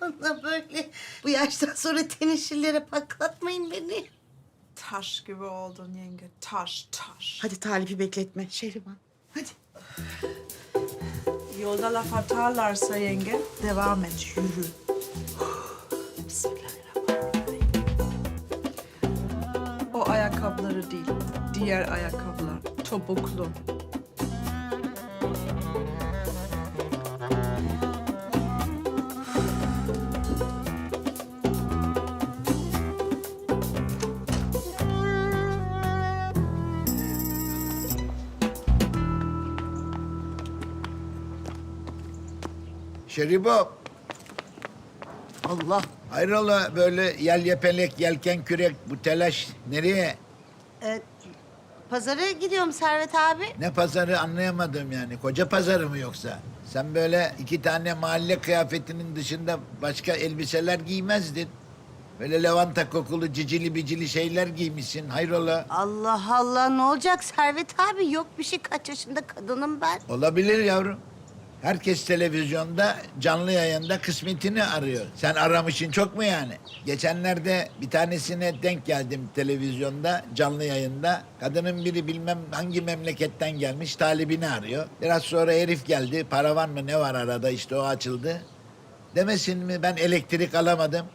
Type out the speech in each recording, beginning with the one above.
bana böyle. Bu yaştan sonra teneşirlere patlatmayın beni. Taş gibi oldun yenge. Taş, taş. Hadi Talip'i bekletme Şehriban. Hadi. Yolda laf atarlarsa yenge devam et, yürü. Bismillahirrahmanirrahim. O ayakkabıları değil, diğer ayakkabılar. Topuklu. Şeribo, Allah. hayrola böyle yel yepelek, yelken kürek, bu telaş nereye? Pazara gidiyorum Servet abi. Ne pazarı anlayamadım yani. Koca pazarı mı yoksa? Sen böyle 2 tane mahalle kıyafetinin dışında başka elbiseler giymezdin. Böyle lavanta kokulu cicili bicili şeyler giymişsin. Hayrola? Allah Allah, ne olacak Servet abi? Yok bir şey, kaç yaşında kadınım ben. Olabilir yavrum. Herkes televizyonda, canlı yayında kısmetini arıyor. Sen aramışsın çok mu yani? Geçenlerde bir tanesine denk geldim televizyonda, canlı yayında. Kadının biri bilmem hangi memleketten gelmiş, talibini arıyor. Biraz sonra herif geldi, para var mı ne var arada, işte o açıldı. Demesin mi ben elektrik alamadım?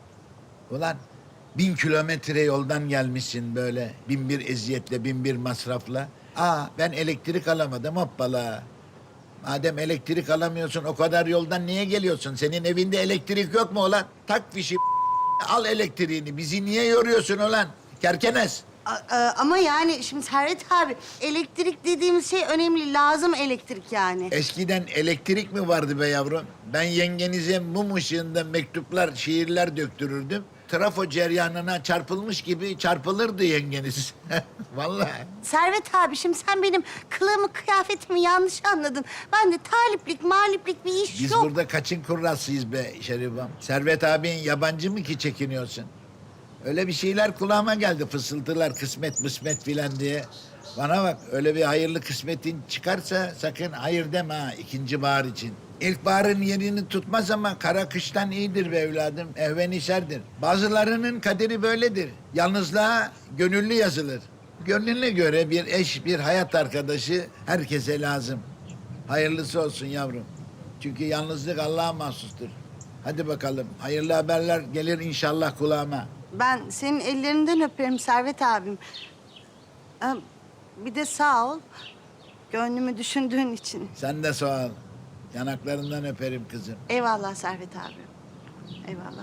Ulan 1000 kilometre yoldan gelmişsin böyle, 1001 eziyetle, 1001 masrafla. Ben elektrik alamadım, hoppala. Madem elektrik alamıyorsun, o kadar yoldan niye geliyorsun? Senin evinde elektrik yok mu ulan? Tak fişi, al elektriğini. Bizi niye yoruyorsun ulan? Kerkenes. Ama yani şimdi Servet abi, elektrik dediğimiz şey önemli, lazım elektrik yani. Eskiden elektrik mi vardı be yavrum? Ben yengenize mum ışığında mektuplar, şiirler döktürürdüm. Trafo ceryanına çarpılmış gibi çarpılırdı yengeniz. Vallahi. Servet abi, şimdi sen benim kılığımı, kıyafetimi yanlış anladın. Ben de taliplik, maliplik bir iş Biz yok. burada kaçın kurrasıyız be Şerifam? Servet abin yabancı mı ki çekiniyorsun? Öyle bir şeyler kulağıma geldi, fısıltılar, kısmet mısmet filan diye. Bana bak, öyle bir hayırlı kısmetin çıkarsa sakın hayır deme ha, ikinci bahar için. İlkbaharın yerini tutmaz ama kara kıştan iyidir be evladım, ehvenişerdir. Bazılarının kaderi böyledir. Yalnızlığa gönüllü yazılır. Gönlüne göre bir eş, bir hayat arkadaşı herkese lazım. Hayırlısı olsun yavrum. Çünkü yalnızlık Allah'a mahsustur. Hadi bakalım, hayırlı haberler gelir inşallah kulağıma. Ben senin ellerinden öperim Servet abim. Bir de sağ ol, gönlümü düşündüğün için. Sen de sağ ol. Yanaklarından öperim kızım. Eyvallah Servet abi. Eyvallah.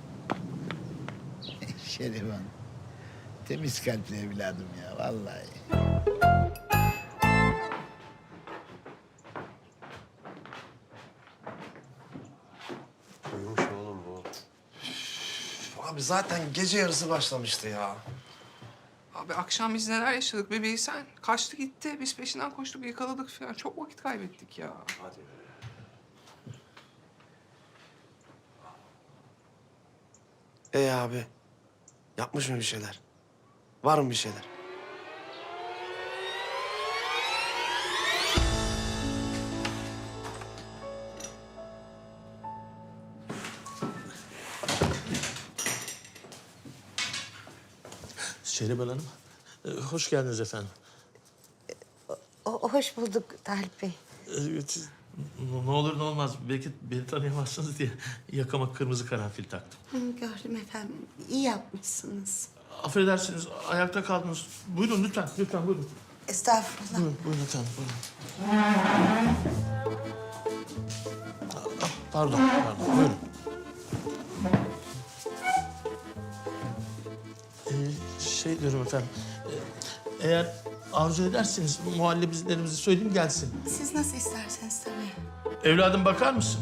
Şerifan. Temiz kalpli evladım ya vallahi. Uyumuş oğlum bu. Abi zaten gece yarısı başlamıştı ya. Abi akşam biz neler yaşadık bir bilsen. Kaçtı gitti, biz peşinden koştuk, yakaladık falan. Çok vakit kaybettik ya. Hadi. Abi, yapmış mı bir şeyler? Var mı bir şeyler? Şehriban Hanım, hoş geldiniz efendim. Hoş bulduk Talip Bey. Ne olur ne olmaz, belki beni tanıyamazsınız diye yakama kırmızı karanfil taktım. Gördüm efendim. İyi yapmışsınız. Affedersiniz, ayakta kaldınız. Buyurun lütfen, lütfen buyurun. Estağfurullah. Buyurun efendim, buyurun. Pardon, buyurun. Şey diyorum efendim, eğer arzu ederseniz muhallebilerimizi söyleyeyim gelsin. Siz nasıl isterseniz tabii. Evladım bakar mısın?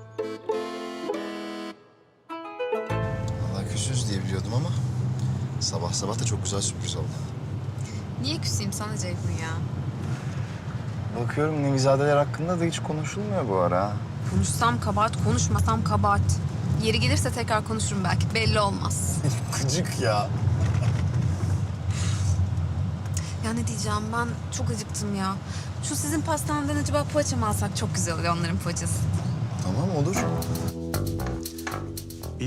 Vallahi küsüz diye biliyordum ama sabah sabah da çok güzel sürpriz oldu. Niye küseyim sana Ceyhun ya? Bakıyorum Nevizadeler hakkında da hiç konuşulmuyor bu ara. Konuşsam kabahat, konuşmasam kabahat. Yeri gelirse tekrar konuşurum belki, belli olmaz. Gıcık ya. Ya ne diyeceğim, ben çok acıktım ya. Şu sizin pastaneden acaba poğaça mı alsak çok güzel oluyor, onların poğaçası. Tamam olur.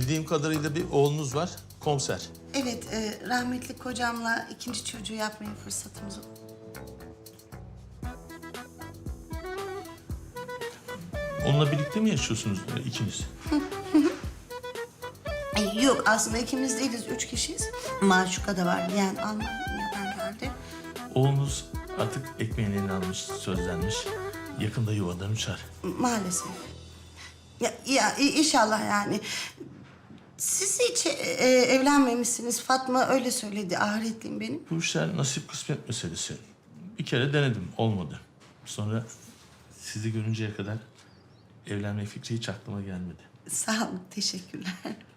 Bildiğim kadarıyla bir oğlunuz var, komiser. Evet, rahmetli kocamla ikinci çocuğu yapmaya fırsatımız oldu. Onunla birlikte mi yaşıyorsunuz ikiniz? Yok, aslında ikimiz değiliz, 3 kişiyiz. Maşuka da var, yani Almanya'dan geldi. Oğlunuz artık ekmeğini eline almış, sözlenmiş. Yakında yuvadan uçar. Maalesef. Ya inşallah yani. Siz hiç evlenmemişsiniz. Fatma öyle söyledi, ahiretliyim benim. Bu işler nasip kısmet meselesi. Bir kere denedim, olmadı. Sonra sizi görünceye kadar evlenme fikri hiç aklıma gelmedi. Sağ olun, teşekkürler.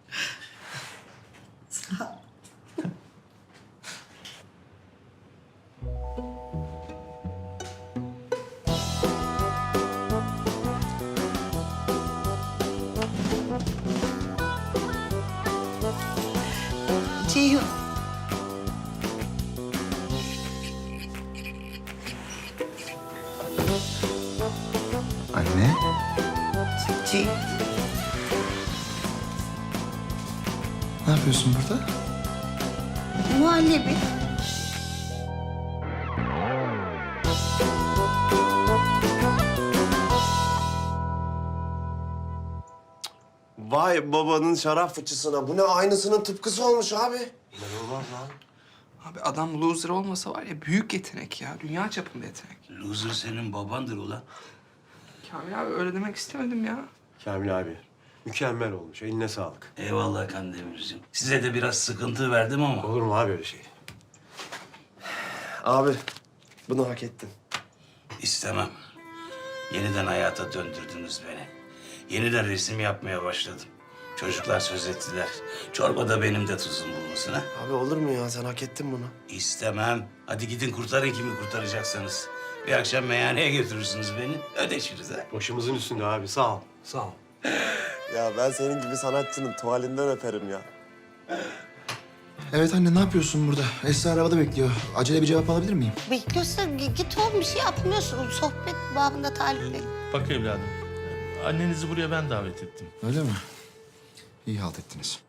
Sağ ol. Ceyhun. Anne. Ceyhun. Ne yapıyorsun burada? Muhallebi. Vay babanın şarap fıçısına. Bu ne aynısının tıpkısı olmuş abi. İnanılmaz lan. Abi adam loser olmasa var ya büyük yetenek ya. Dünya çapında yetenek. Loser senin babandır ulan. Kamil abi öyle demek istemedim ya. Kamil abi mükemmel olmuş. Eline sağlık. Eyvallah Kandemir'cim. Size de biraz sıkıntı verdim ama. Olur mu abi öyle şey? Abi bunu hak ettin. İstemem. Yeniden hayata döndürdünüz beni. Yeniden resim yapmaya başladım. Çocuklar söz ettiler. Çorbada benim de tuzum bulunsun ha. Abi olur mu ya? Sen hak ettin bunu. İstemem. Hadi gidin kurtarın kimi kurtaracaksanız. Bir akşam meyhaneye götürürsünüz beni. Ödeşiriz ha. Başımızın üstünde abi. Sağ ol. Sağ ol. Ya ben senin gibi sanatçının tuvalinden öperim ya. Evet anne ne yapıyorsun burada? Esra arabada bekliyor. Acele bir cevap alabilir miyim? Bekliyorsa git oğlum, bir şey yapmıyorsun. Sohbet babında talipleri. Bak evladım, annenizi buraya ben davet ettim. Öyle mi? İyi halt ettiniz.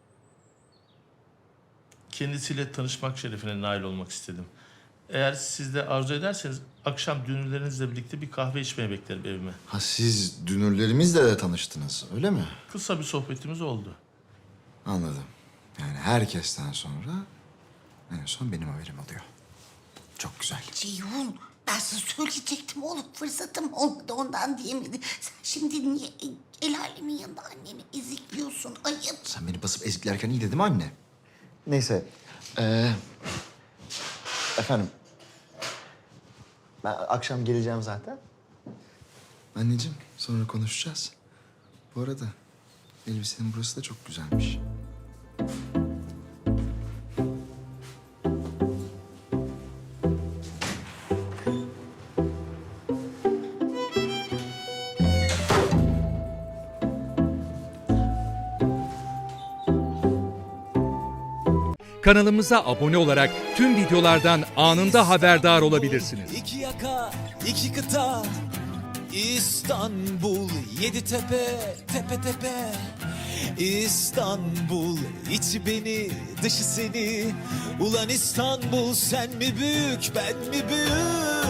Kendisiyle tanışmak şerefine nail olmak istedim. Eğer siz de arzu ederseniz akşam dünürlerinizle birlikte bir kahve içmeye beklerim evime. Ha siz dünürlerimizle de tanıştınız öyle mi? Kısa bir sohbetimiz oldu. Anladım. Yani herkesten sonra en son benim haberim oluyor. Çok güzel. Ceyhun, ben sana söyleyecektim oğlum. Fırsatım olmadı, ondan diyemedi. Sen şimdi niye el alemin yanında anneni ezikliyorsun? Ayıp. Sen beni basıp eziklerken iyiydi değil mi anne? Neyse. Efendim. Ben akşam geleceğim zaten. Anneciğim sonra konuşacağız. Bu arada elbisenin burası da çok güzelmiş. Kanalımıza abone olarak tüm videolardan anında haberdar olabilirsiniz. İki yaka, iki kıta, İstanbul, yedi tepe, tepe tepe. İstanbul, içi beni, dışı seni. Ulan İstanbul, sen mi büyük, ben mi büyük?